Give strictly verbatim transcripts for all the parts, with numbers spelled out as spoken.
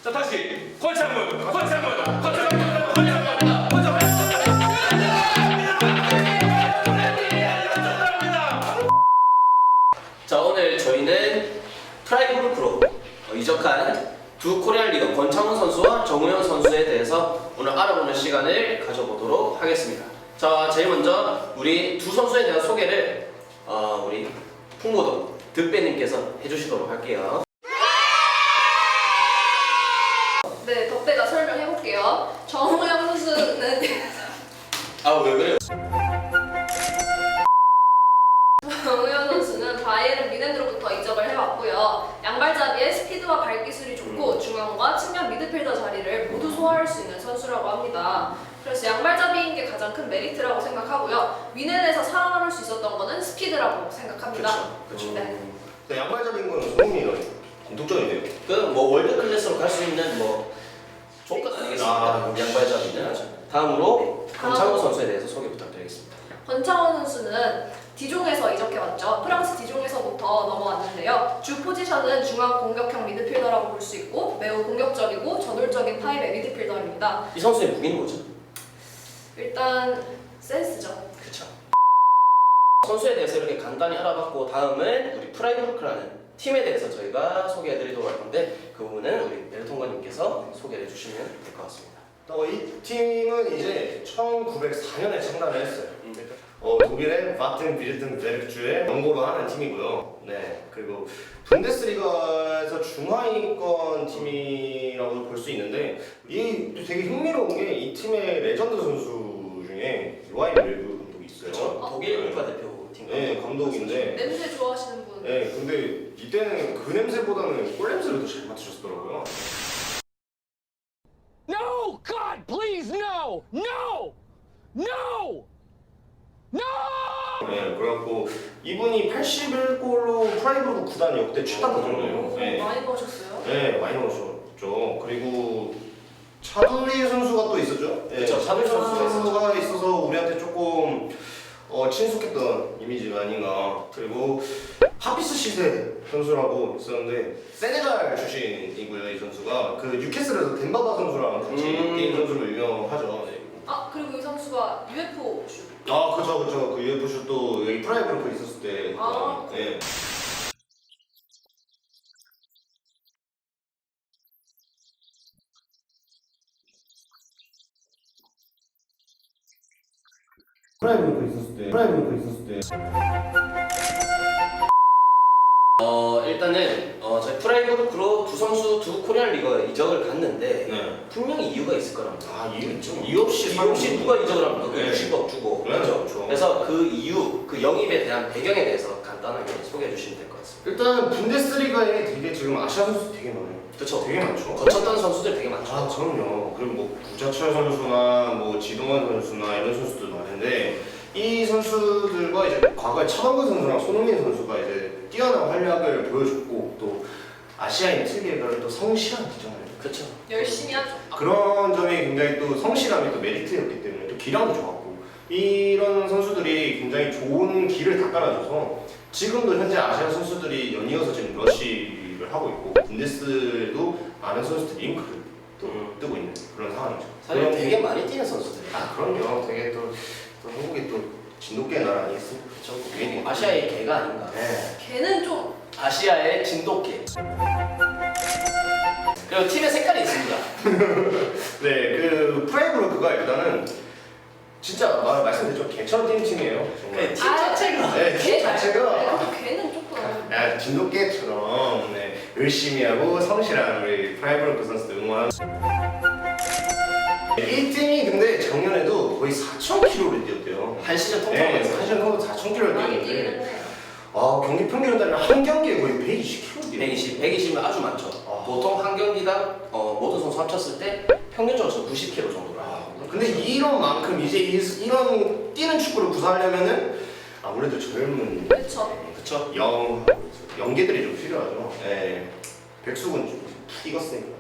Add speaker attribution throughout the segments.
Speaker 1: 자 다시 권창문, 권창문, 권창문, 권창문, 권창문.
Speaker 2: 자 오늘 저희는 프라이브루 프로 어, 이적한 두 코리안 리더 권창훈 선수와 정우영 선수에 대해서 오늘 알아보는 시간을 가져보도록 하겠습니다. 자 제일 먼저 우리 두 선수에 대한 소개를 어, 우리 풍모동 득배님께서 해주시도록 할게요.
Speaker 3: 네, 덕배가 설명해볼게요. 정우영 선수는
Speaker 2: 아 왜 그래요?
Speaker 3: 정우영 선수는 바이에른 뮌헨으로부터 이적을 해왔고요. 양발잡이의 스피드와 발기술이 좋고 중앙과 측면 미드필더 자리를 모두 소화할 수 있는 선수라고 합니다. 그래서 양발잡이인 게 가장 큰 메리트라고 생각하고요. 뮌헨에서 살아남을 수 있었던 거는 스피드라고 생각합니다.
Speaker 2: 그렇죠.
Speaker 3: 네.
Speaker 4: 네, 양발잡이인 거는 소문이 공통점이네요.
Speaker 2: 그뭐 월드 클래스로 갈 수 있는 뭐 조건 아니겠습니까?
Speaker 4: 아,
Speaker 2: 양발잡이는. 다음으로 권창훈 선수에 대해서 소개 부탁드리겠습니다.
Speaker 3: 권창훈 선수는 디종에서 이적해왔죠. 프랑스 디종에서부터 넘어왔는데요. 주 포지션은 중앙 공격형 미드필더라고 볼 수 있고 매우 공격적이고 저돌적인 타입의 미드필더입니다.
Speaker 2: 이 선수의 무기는 뭐죠?
Speaker 3: 일단 센스죠.
Speaker 2: 그렇죠. 선수에 대해서 이렇게 간단히 알아봤고 다음은 우리 프라이브루크라는 팀에 대해서 저희가 소개해드리도록 할 건데 그 부분은 우리 멜통관님께서 소개를 해주시면 될 것 같습니다.
Speaker 4: 어, 이 팀은 이제 천구백사 년에 창단을 했어요.
Speaker 2: 음.
Speaker 4: 어, 독일의 바튼 비르텐베르크주에 연고로 하는 팀이고요. 네, 그리고 분데스리가에서 중하위권 팀이라고 볼 수 있는데 이 되게 흥미로운 게 이 팀의 레전드 선수 중에 요하임 렐브 감독이 있어요.
Speaker 2: 그렇죠.
Speaker 3: 어.
Speaker 2: 독일 국가대표팀
Speaker 4: 네, 감독인데
Speaker 3: 냄새 좋아하시는 분.
Speaker 4: 네, 근데 이때는 그 냄새보다는 꿀 냄새를 더 잘 맡으셨더라고요.
Speaker 5: No! God, please, no! No! No! No!
Speaker 4: 네, 그래갖고 이분이 팔십일 골로 프라이브루 구단 역대 최다 골이에요.
Speaker 3: 오,
Speaker 4: 네.
Speaker 3: 많이 넣으셨어요?
Speaker 4: 네, 많이 넣으셨죠. 그리고 차두리 선수가 또 있었죠. 네,
Speaker 2: 그쵸, 차두리 선수가
Speaker 4: 선수가 있어서 우리한테 조금 어, 친숙했던 이미지가 아닌가. 그리고 하피스 시세 선수라고 있었는데 세네갈 출신이고요. 이 선수가 그 뉴캐슬에서 덴바바 선수랑 같이
Speaker 2: 음.
Speaker 4: 게임 선수로 유명하죠. 네.
Speaker 3: 아 그리고 이 선수가 유에프오 슛.
Speaker 4: 아, 그쵸, 그쵸. 그 유에프 슛도 여기 프라이브로 있었을 때.
Speaker 3: 아.
Speaker 4: 네. 프라이브로 있었을 때. 프라이브로 있었을 때.
Speaker 2: 어 일단은 어 저희 프라이브루크로 두 선수 두 코리안 리거에 이적을 갔는데
Speaker 4: 네.
Speaker 2: 분명히 이유가 있을 거랍니다.
Speaker 4: 아, 이유 있죠. 이유 없이
Speaker 2: 이유 없이 누가 이적을 합니까? 그
Speaker 4: 네.
Speaker 2: 육십억 주고
Speaker 4: 네,
Speaker 2: 그렇죠?
Speaker 4: 그렇죠.
Speaker 2: 그래서 그 이유, 그 영입에 대한 배경에 대해서 간단하게 소개해 주시면 될 것 같습니다.
Speaker 4: 일단 분데스리가에 되게 지금 아시아 선수 되게 많아요.
Speaker 2: 그렇죠?
Speaker 4: 되게 많죠.
Speaker 2: 거쳤던 선수들 되게 많죠.
Speaker 4: 아, 그럼요. 그리고 뭐 구자철 선수나 뭐 지동원 선수나 이런 선수들 많은데 이 선수들과 이제 과거에 차범근 선수랑 손흥민 선수가 이제 뛰어난 활약을 보여줬고 또 아시아인 특유의 그런 또 성실한 기정을
Speaker 2: 그렇죠.
Speaker 3: 열심히 하죠.
Speaker 4: 그런 점이 굉장히 또 성실함이 또 메리트였기 때문에 또 기량도 좋았고 이런 선수들이 굉장히 좋은 길을 다 깔아줘서 지금도 현재 아시아 선수들이 연이어서 지금 러시를 하고 있고 분데스도 많은 선수들이 링크를 또
Speaker 2: 음.
Speaker 4: 뜨고 있는 그런 상황이죠.
Speaker 2: 사실
Speaker 4: 그런-
Speaker 2: 되게 많이 뛰는 선수들.
Speaker 4: 아, 그럼요. 되게 또, 또 한국이 또 진돗개 나라 아니겠습니까?
Speaker 2: 그렇죠.
Speaker 4: 괜히
Speaker 2: 아시아의 개가 아닌가.
Speaker 4: 네.
Speaker 3: 걔는 좀
Speaker 2: 아시아의 진돗개. 그리고 팀의 색깔이 있습니다.
Speaker 4: 네, 그 프라이브루크가 일단은 진짜 말, 말씀드렸죠. 개처럼 뛰는 팀이에요. 정말.
Speaker 2: 팀 자체가.
Speaker 4: 네, 팀
Speaker 3: 걔
Speaker 4: 자체가
Speaker 3: 네, 근데 걔는 조금
Speaker 4: 야, 진돗개처럼 네, 열심히 하고 성실한 우리 프라이브루크 선수들 응원. 이 팀이 근데 작년에도 거의 사천 킬로미터를 뛰었대요.
Speaker 2: 한 시즌
Speaker 4: 네,
Speaker 2: 통통해서.
Speaker 4: 사실 거의 사천 킬로미터를
Speaker 3: 많이 뛰긴
Speaker 4: 뛰었는데
Speaker 3: 했네요.
Speaker 4: 아, 경기 평균 따르면 한 경기에 거의 백이십 킬로미터 뛰어요.
Speaker 2: 백이십, 백이십이면 아주 많죠.
Speaker 4: 아.
Speaker 2: 보통 한 경기당 어, 모든 선수 합쳤을 때 평균적으로 구십 킬로미터 정도라.
Speaker 4: 아, 근데 이런 만큼 이제 이- 이런 뛰는 축구를 구사하려면은 아무래도 젊은
Speaker 3: 그렇죠.
Speaker 2: 그렇죠.
Speaker 4: 영 영계들이 좀 필요하죠. 네. 백숙은 좀 익었으니까.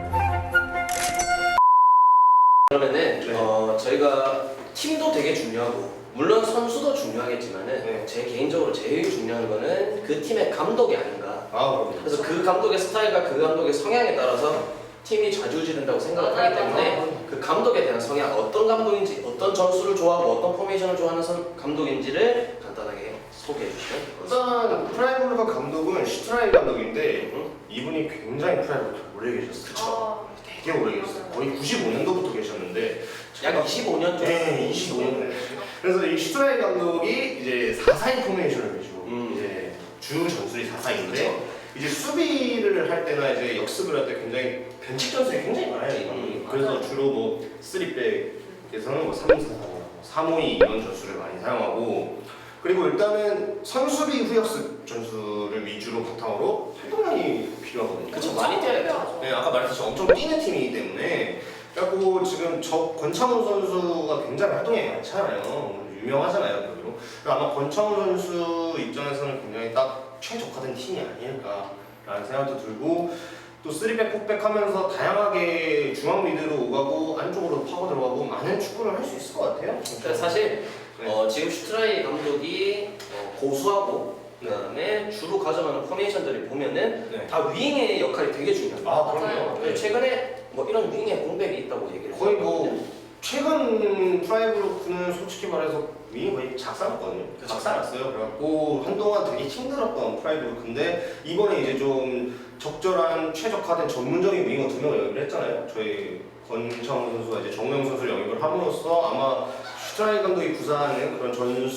Speaker 2: 그러면은
Speaker 4: 네.
Speaker 2: 어, 저희가 팀도 되게 중요하고 물론 선수도 중요하겠지만은
Speaker 4: 네.
Speaker 2: 제 개인적으로 제일 중요한 거는 그 팀의 감독이 아닌가.
Speaker 4: 아, 그럼요.
Speaker 2: 그래서 그 감독의 스타일과 그 감독의 성향에 따라서 팀이 좌지우지된다고 생각을
Speaker 3: 맞아요,
Speaker 2: 하기 때문에
Speaker 3: 맞아요.
Speaker 2: 그 감독에 대한 성향, 어떤 감독인지, 어떤 전술을 좋아하고 어떤 포메이션을 좋아하는 선- 감독인지를 간단하게 소개해 주시면 될 것 같습니다.
Speaker 4: 일단 프라이브루크 감독은 슈트라이 감독인데
Speaker 2: 응?
Speaker 4: 이분이 굉장히 프라이브루크 오래 계셨어요.
Speaker 3: 아,
Speaker 4: 되게 오래 계셨어요. 거의 구십오 년도부터 계셨는데
Speaker 2: 약 이십오 년 정도.
Speaker 4: 네, 이십오 년. 그래서 이 슈트라이 감독이 이제 사사인 포메이션을 가지고
Speaker 2: 음.
Speaker 4: 이제 주 전술이 사사인데
Speaker 2: 그렇죠.
Speaker 4: 이제 수비를 할 때나 이제 역습을 할 때 굉장히 변칙 전술이 굉장히 많아요 이 감독이.
Speaker 2: 음,
Speaker 4: 그래서
Speaker 3: 맞아요.
Speaker 4: 주로 뭐 쓰리백에서는 뭐 삼 사 사, 삼 오 이 이런 전술을 많이 사용하고 그리고 일단은 선수비 후역습 전술을 위주로 바탕으로 활동량이 필요하거든요.
Speaker 2: 그쵸, 많이 뛰어야죠.
Speaker 4: 네, 아까 말했듯이 엄청 뛰는 팀이기 때문에 그래갖고 지금 저 권창훈 선수가 굉장히 활동량이 많잖아요. 유명하잖아요, 그리고 아마 권창훈 선수 입장에서는 굉장히 딱 최적화된 팀이 아닐까라는 생각도 들고 또 쓰리백, 포백 하면서 다양하게 중앙 미드로 오가고 안쪽으로 파고 들어가고 많은 축구를 할 수 있을 것 같아요.
Speaker 2: 그러니까 사실
Speaker 4: 네.
Speaker 2: 어, 지금 슈트라이 감독이 어, 고수하고
Speaker 4: 네.
Speaker 2: 그다음에 주로 가져가는 포메이션들을 보면은
Speaker 4: 네.
Speaker 2: 다 윙의 역할이 되게 중요합니다.
Speaker 4: 아,
Speaker 3: 맞아요.
Speaker 4: 그럼요.
Speaker 2: 근데 최근에 뭐 이런 윙의 공백이 있다고 얘기를
Speaker 4: 거의
Speaker 2: 했거든요.
Speaker 4: 뭐 최근 프라이브루크는 솔직히 말해서 윙이 거의 작살났거든요.
Speaker 2: 그쵸.
Speaker 4: 작살났어요. 그래갖고 한동안 되게 힘들었던 프라이브루크인데 이번에 이제 좀 적절한 최적화된 전문적인 윙어 두 명을 영입을 했잖아요. 저희 권창훈 선수와 이제 정우영 선수를 영입을 함으로써 아마 슈트라이 감독이 구사하는 그런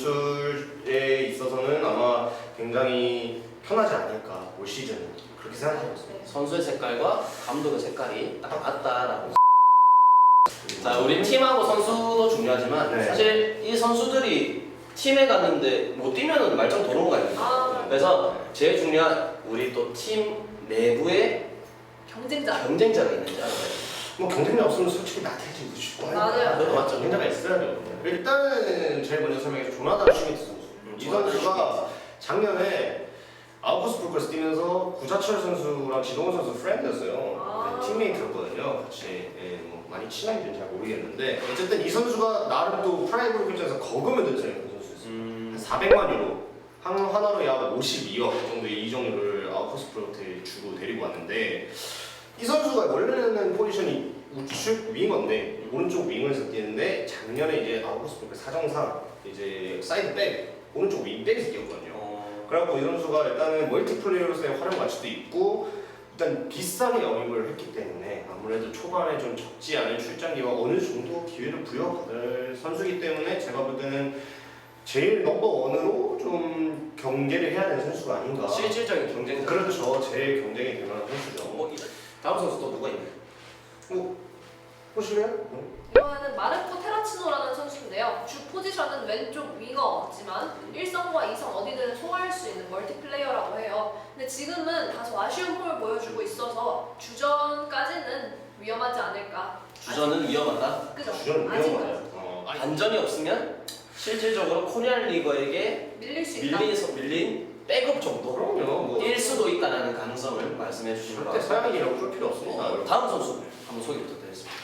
Speaker 4: 전술에 있어서는 아마 굉장히 편하지 않을까 올 시즌은 그렇게 생각하고 있습니다.
Speaker 2: 선수의 색깔과 감독의 색깔이 딱 맞다라고. 자, 우리 팀하고 선수도 중요하지만
Speaker 4: 네.
Speaker 2: 사실 이 선수들이 팀에 갔는데 못 뛰면은 말짱 도는 거 아닙니까?
Speaker 3: 아,
Speaker 2: 그래서 제일 중요한 우리 또 팀 내부에
Speaker 3: 경쟁자.
Speaker 2: 경쟁자가 있는지 알아요.
Speaker 4: 뭐 경쟁력 없으면 솔직히 나태해지고 싶고
Speaker 3: 맞아요.
Speaker 2: 그래도 맞죠.
Speaker 4: 경쟁자가 있어야죠. 일단은 제일 먼저 설명해서 조나단 슈미트 선수. 이 선수가 작년에 아우구스 불크에서 뛰면서 구자철 선수랑 지동원 선수 프렌드였어요.
Speaker 3: 아.
Speaker 4: 네, 팀메이트였거든요. 같이 예, 뭐 많이 친한지는 잘 모르겠는데 어쨌든 이 선수가 나름 또 프라이브로 결정해서 거금을 들였어요. 그 선수였어요.
Speaker 2: 음,
Speaker 4: 사백만 유로 한 하나로 약 오십이억 정도의 이적료를 아우구스 프로한테 주고 데리고 왔는데 이 선수가 원래는 포지션이 우측 윙어인데 오른쪽 윙에서 뛰는데 작년에 이제 아우구스 프로 사정상 이제 사이드 백 오른쪽 윙백에서 뛰었거든요.
Speaker 2: 어,
Speaker 4: 그래갖고 이 선수가 일단은 멀티플레이어로서의 활용 가치도 있고 일단 비싸게 영입을 했기 때문에 아무래도 초반에 좀 적지 않은 출장기와 어느 정도 기회를 부여받을 선수이기 때문에 제가 볼 때는 제일 넘버 원으로 좀 경계를 해야 되는 선수가 아닌가.
Speaker 2: 실질적인 경쟁자.
Speaker 4: 그렇죠. 제일 경쟁이 될 만한 선수죠.
Speaker 2: 뭐 이- 다음 선수 또 누가 있나요?
Speaker 4: 뭐 보실래요?
Speaker 3: 이번에는 마르코 테라치노라는 선수인데요. 주 포지션은 왼쪽 윙어지만 일성과 이성 어디든 소화할 수 있는 멀티플레이어라고 해요. 근데 지금은 다소 아쉬운 폼을 보여주고 있어서 주전까지는 위험하지 않을까.
Speaker 2: 주전은 위험하다.
Speaker 3: 그죠?
Speaker 4: 주전
Speaker 3: 아직은
Speaker 4: 위험해요. 어, 아니,
Speaker 2: 반전이 없으면 실질적으로 코리안 리거에게
Speaker 3: 밀릴 수 있다.
Speaker 2: 밀린 밀린 백업 정도
Speaker 4: 그럼요. 뭐
Speaker 2: 일 수도 있다는 가능성을 말씀해 주신 것
Speaker 4: 절대
Speaker 2: 같습니다.
Speaker 4: 서양인이라고 볼 필요 없습니다.
Speaker 2: 어, 다음 선수 한번 소개 부탁드리겠습니다.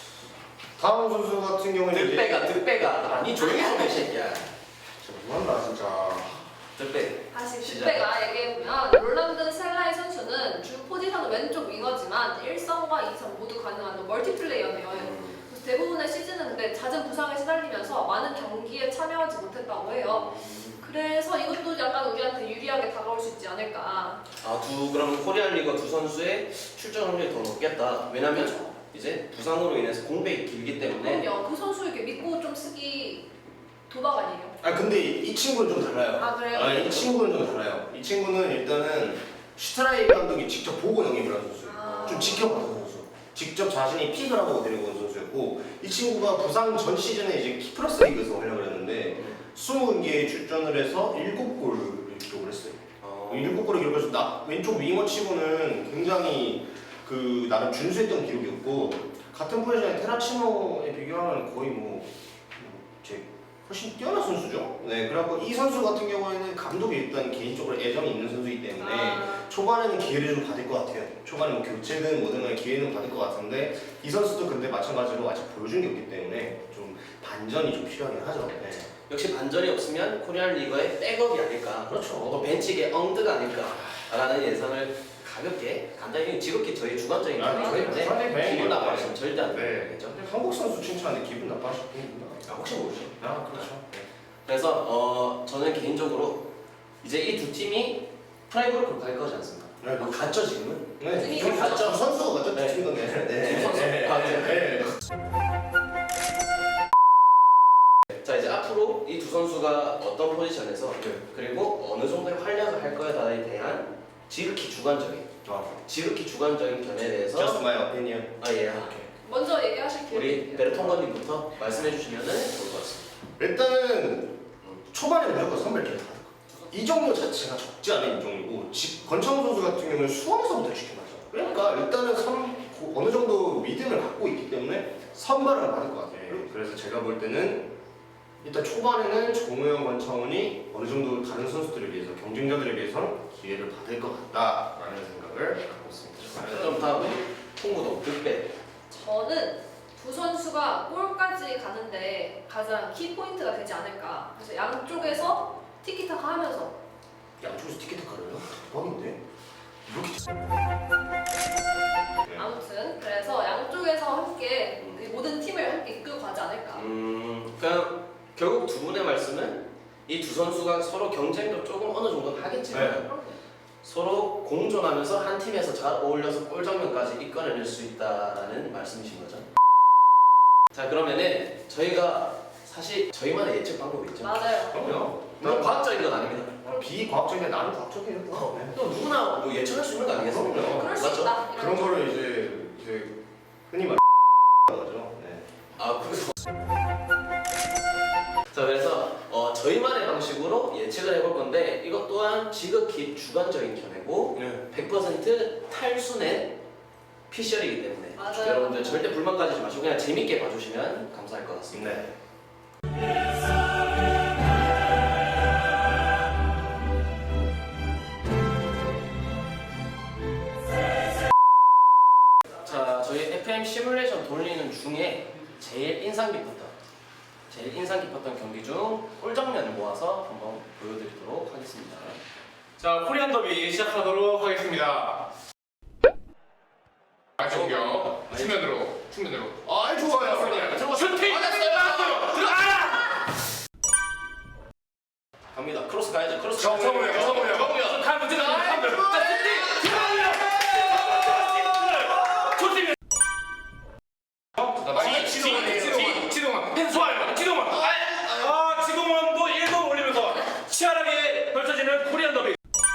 Speaker 4: 다음 선수 같은 경우는 이제-
Speaker 2: 득배가 득배가 아니 조용히 좀 해 새끼야.
Speaker 4: 뭐한다 진짜.
Speaker 2: 득배.
Speaker 3: 다시
Speaker 2: 시작.
Speaker 3: 빅배가 얘기해보면 롤란드 셀라이 선수는 주 포지션은 왼쪽 윙어지만 일성과 이성 모두 가능한 멀티플레이어네요. 그래서 대부분의 시즌은 근데 잦은 부상에 시달리면서 많은 경기에 참여하지 못했다고 해요. 그래서 이것도 약간 우리한테 유리하게 다가올 수 있지 않을까.
Speaker 2: 아두 그러면 코리안 리거 두 선수의 출전 확률이 더 높겠다. 왜냐면 이제 부상으로 인해서 공백이 길기 때문에
Speaker 3: 그럼요. 그 선수에게 믿고 좀 쓰기 도박 아니에요?
Speaker 4: 아 근데 이 친구는 좀 달라요.
Speaker 3: 아 그래요?
Speaker 4: 아, 이 친구는 좀 달라요. 이 친구는 일단은 슈트라이 감독이 직접 보고 영입을 한 선수예요.
Speaker 3: 아.
Speaker 4: 좀 지켜봤던 선수. 직접 자신이 픽을 하고 데리고 온 선수였고 이 친구가 부상 전 시즌에 이제 키프러스 리그에서 활약을 했는데 이십 경기에 출전을 해서 일곱 골을 기록을 했어요.
Speaker 2: 어,
Speaker 4: 일곱 골을 기록해서 나 왼쪽 윙어 치고는 굉장히 그 나름 준수했던 기록이었고 같은 포지션의 테라치노에 비교하면 거의 뭐 제 훨씬 뛰어난 선수죠. 네, 그래갖고 이 선수 같은 경우에는 감독이 일단 개인적으로 애정이 있는 선수이기 때문에
Speaker 3: 아,
Speaker 4: 초반에는 기회를 좀 받을 것 같아요. 초반에 뭐 교체든 뭐든 간에 기회는 받을 것 같은데 이 선수도 근데 마찬가지로 아직 보여준 게 없기 때문에 좀 반전이 좀 필요하긴 하죠. 네.
Speaker 2: 역시 반전이 없으면 코리안 리거의 백업이 아닐까.
Speaker 4: 그렇죠.
Speaker 2: 또 벤치계 엉드가 아닐까라는 예상을 가볍게 간단히 지극히 저희 주관적인
Speaker 4: 아,
Speaker 2: 견해이기
Speaker 4: 저희
Speaker 2: 때문에
Speaker 4: 부산의
Speaker 2: 절대 안
Speaker 4: 네.
Speaker 2: 되겠죠.
Speaker 4: 한국 선수 칭찬하는데 기분 나빠하실 분이구나.
Speaker 2: 아, 혹시 모르죠.
Speaker 4: 아 그렇죠.
Speaker 2: 그래서 어, 저는 개인적으로 이제 이 두 팀이 프라이브로 갈 거지 않습니까?
Speaker 4: 네,
Speaker 2: 뭐 갔죠 지금은?
Speaker 4: 네,
Speaker 3: 팀이
Speaker 4: 팀
Speaker 2: 갔죠.
Speaker 4: 두 선수가 맞죠?
Speaker 2: 네.
Speaker 4: 팀 건데. 네.
Speaker 2: 두 선수.
Speaker 4: 네.
Speaker 2: 아, 네.
Speaker 4: 네.
Speaker 2: 자 이제 앞으로 이 두 선수가 어떤 포지션에서
Speaker 4: 네.
Speaker 2: 그리고 어느 정도의 활약을 할 거에 대한 지극히 주관적인
Speaker 4: 아,
Speaker 2: 지극히 주관적인 견해에 대해서
Speaker 4: just my opinion.
Speaker 2: 아 예.
Speaker 3: 먼저 얘기하실게요.
Speaker 2: 우리 베르통건님부터 말씀해 주시면 좋을 것 같습니다.
Speaker 4: 일단은 초반에 무조건 선발 기회 받을 거. 이정도 자체가 적지 않은 인종이고 지- 권창훈 선수 같은 경우는 수원에서부터 지켜봤죠. 그러니까 일단은 선, 고- 어느 정도 믿음을 갖고 있기 때문에 선발을 받을 것 같아요. 그래서 제가 볼 때는 일단 초반에는 정우영, 권창훈이 어느 정도 다른 선수들에 비해서 경쟁자들에 비해서는 기회를 받을 것 같다라는 생각을 갖고 있습니다.
Speaker 2: 그럼 다음 홍구동 득배.
Speaker 3: 저는 두 선수가 골까지 가는데 가장 키 포인트가 되지 않을까. 그래서 양쪽에서 티키타카 하면서
Speaker 4: 양쪽에서 티켓타카를요? 대박인데? 이렇게 네.
Speaker 3: 아무튼 그래서 양쪽에서 함께 그 모든 팀을 함께 이끌고 가지 않을까.
Speaker 2: 음, 그냥 결국 두 분의 말씀은 이 두 선수가 서로 경쟁도 조금 어느 정도 하겠지만
Speaker 4: 네.
Speaker 3: 그럼요.
Speaker 2: 서로 공존하면서 한 팀에서 잘 어울려서 골 장면까지 이끌어낼 수 있다라는 말씀이신 거죠. 자 그러면은 저희가 사실 저희만의 예측 방법이 있죠.
Speaker 3: 맞아요.
Speaker 4: 그럼요.
Speaker 2: 물론 과학적인 건 아닙니다.
Speaker 4: 비과학적인데 나는 과학적이에요.
Speaker 2: 어,
Speaker 4: 네.
Speaker 2: 또 누구나 뭐 예측할 수 있는 거 아니겠습니까?
Speaker 4: 그럼요.
Speaker 3: 그럴 수
Speaker 2: 맞죠?
Speaker 3: 있다.
Speaker 4: 그런
Speaker 3: 이런
Speaker 4: 거를 이제 이제 흔히 말 거죠. 네.
Speaker 2: 아 그래서 자 그래서 어, 저희만의 방식으로 예측을 해볼 건데 이것 또한 지극히 주관적인 견해고
Speaker 4: 네.
Speaker 2: 백 퍼센트 탈순의 피셜이기 때문에
Speaker 3: 맞아요.
Speaker 2: 여러분들 절대 불만 가지지 마시고 그냥 재밌게 봐주시면 감사할 것 같습니다.
Speaker 4: 네.
Speaker 2: 자 저희 에프엠 시뮬레이션 돌리는 중에 제일 인상 깊었던 제일 인상 깊었던 경기 중 꿀장면을 모아서 한번 보여드리도록 하겠습니다.
Speaker 1: 자, 코리안 더비 시작하도록 하겠습니다. 아, 저기요. 측면으로, 측면으로.
Speaker 4: 아 좋아요.
Speaker 1: 슈팅! 나왔어요! 들어가!
Speaker 2: 갑니다. 크로스 가야죠. 크로스.
Speaker 1: 정우영, 정우영.
Speaker 2: 정우영.
Speaker 1: 가면 들어가. 가면 들어가. 자, 슈팅! 정우영! 좋습니다. 지, 지, 지, 지동원. 좋아요. 지동원. 아, 지동원도 일 번 올리면서 치열하게 펼쳐지는 코리안 더비.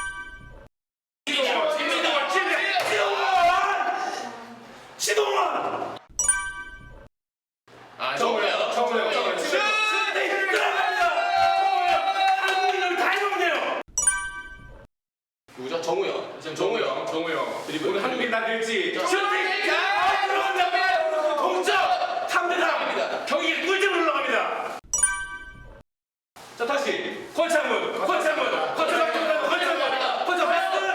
Speaker 1: 지동원, 지동원, 지동원! 지동원! 아, 정우영, 정우영, 정우영. 슈팅! 들어갑니다! 정우영! 한국인을 다 해먹네요!
Speaker 2: 누구죠? 정우영.
Speaker 1: 지금 정우영, 정우영. 오늘 한국인 다 될지. 슈팅! 아, 들어갑니다! 동점! 삼 대 삼! 경기 꿀잼으로 올라갑니다! 자, 다시. 권창문, 권창문, 권창문, 권창문, 권창문, 권창문!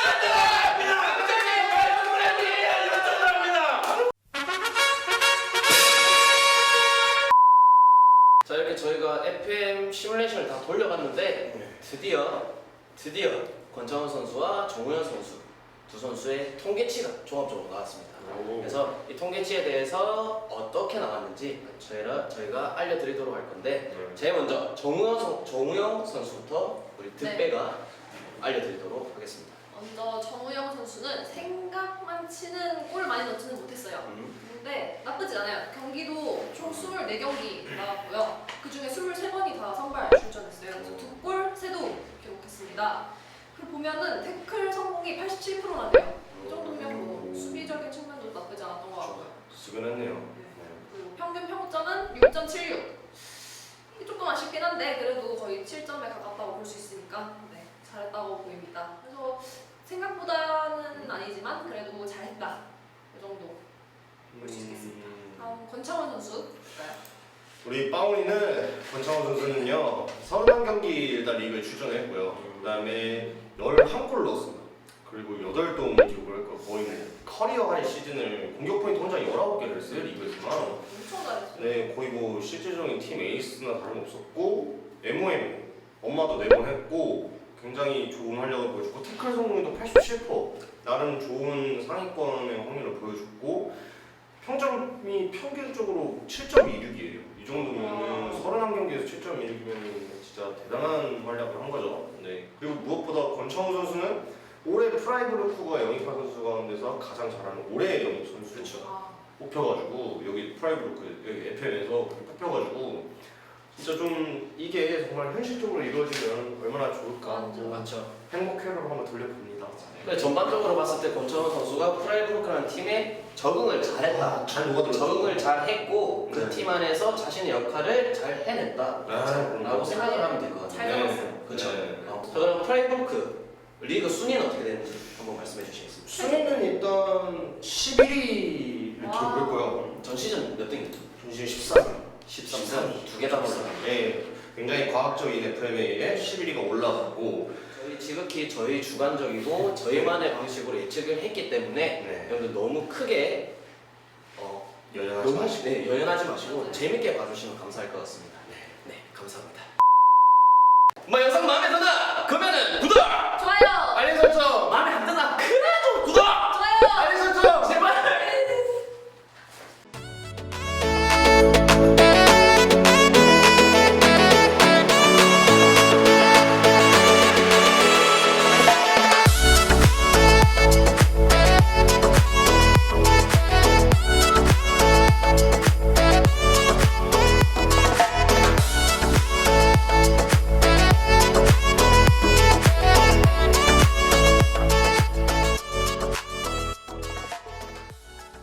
Speaker 2: 자 이렇게 저희가 에프엠 시뮬레이션을 다 돌려봤는데 드디어 드디어 권창훈 선수와 정우현 선수 두 선수의 통계치가 종합적으로 나왔습니다. 그래서 이 통계치에 대해서 어떻게 나왔는지 저희가 저희가 알려드리도록 할 건데 제일 먼저 정우영 선 정우영 선수부터 우리 득배가 알려드리도록 하겠습니다.
Speaker 3: 먼저 정우영 선수는 생각만 치는 골 많이 넣지는 못했어요.
Speaker 2: 음.
Speaker 3: 근데 나쁘진 않아요. 경기도 총 이십사 경기 나왔고요. 그 중에 이십삼 번이 다 선발 출전했어요. 그래서 두 골, 세 도움 기록했습니다. 그리고 보면은 태클 성공이 팔십칠 퍼센트나네요. 이 정도면 뭐 수비적인 측면도 나쁘지 않았던 것 같고요.
Speaker 4: 수근했네요.
Speaker 3: 그리고 평균 평점은 육 점 칠육. 이게 조금 아쉽긴 한데 그래도 거의 칠 점에 가깝다고 볼 수 있으니까 네, 잘했다고 보입니다. 그래서 생각보다는 아니지만 그래도 잘했다. 이 정도 볼 수 있겠습니다. 다음 권창원 선수 볼까요?
Speaker 4: 우리 빠운이는 권창훈 선수는요 서른한 경기 일단 리그에 출전했고요. 그 다음에 열한 골 넣었습니다. 그리고 여덟 도움 기록을 했고 거의 뭐 커리어 하이 시즌을 공격 포인트 혼자 열아홉 개를 했어요 리그에서만.
Speaker 3: 엄청 잘했어요.
Speaker 4: 네 거의 뭐 실질적인 팀 에이스나 다름없었고 엠오엠 엄마도 네 번 했고 굉장히 좋은 활약을 보여줬고 태클 성공률도 팔십칠 퍼센트 나름 좋은 상위권의 확률을 보여줬고 평점 승점이 평균적으로 칠 점 이육이에요. 이 정도면 서른한 경기에서 칠 점 이육이면 진짜 대단한 활약을 한 거죠. 네. 그리고 무엇보다 권창우 선수는 올해 프라이브루크가 영입한 선수 가운데서 가장 잘하는 올해의 영입 선수죠.
Speaker 3: 아,
Speaker 4: 뽑혀가지고 여기 프라이브루크 여기 에프엠에서 뽑혀가지고 진짜 좀 이게 정말 현실적으로 이루어지면 얼마나 좋을까 하고
Speaker 2: 맞죠.
Speaker 4: 행복회로를 한번 돌려봅니다.
Speaker 2: 근데 전반적으로 봤을 때 권창훈 선수가 프라이브루크라는 팀에 적응을 잘했다.
Speaker 4: 잘 녹아들었죠.
Speaker 2: 적응을 잘했고 그
Speaker 4: 네.
Speaker 2: 팀 안에서 자신의 역할을 잘 해냈다.
Speaker 4: 아,
Speaker 2: 라고 생각을 하면 될 것
Speaker 3: 잘
Speaker 2: 같아요.
Speaker 3: 잡았어요.
Speaker 2: 그렇죠.
Speaker 4: 네.
Speaker 2: 어, 자, 그럼 프라이브루크 리그 순위는 어떻게 되는지 한번 말씀해 주시겠습니다.
Speaker 4: 순위는 일단 십일 위를
Speaker 3: 와.
Speaker 4: 기록했고요.
Speaker 2: 전 시즌 몇 등이죠?
Speaker 4: 전시즌 십삼 위.
Speaker 2: 십삼 등. 두 개 다 올라.
Speaker 4: 네, 굉장히 과학적인 에프엠에 의해 십일 위가 올라갔고
Speaker 2: 저희 지극히 저희 주관적이고 저희만의 방식으로 예측을 했기 때문에
Speaker 4: 네.
Speaker 2: 여러분들 너무 크게 어,
Speaker 4: 연연하지
Speaker 2: 너무
Speaker 4: 마시고
Speaker 2: 네, 연연하지 마시고 재밌게 봐주시면 감사할 것 같습니다. 네, 감사합니다. 뭐 영상 마음에 든다? 그러면은 구독,
Speaker 3: 좋아요.
Speaker 2: 알림 설정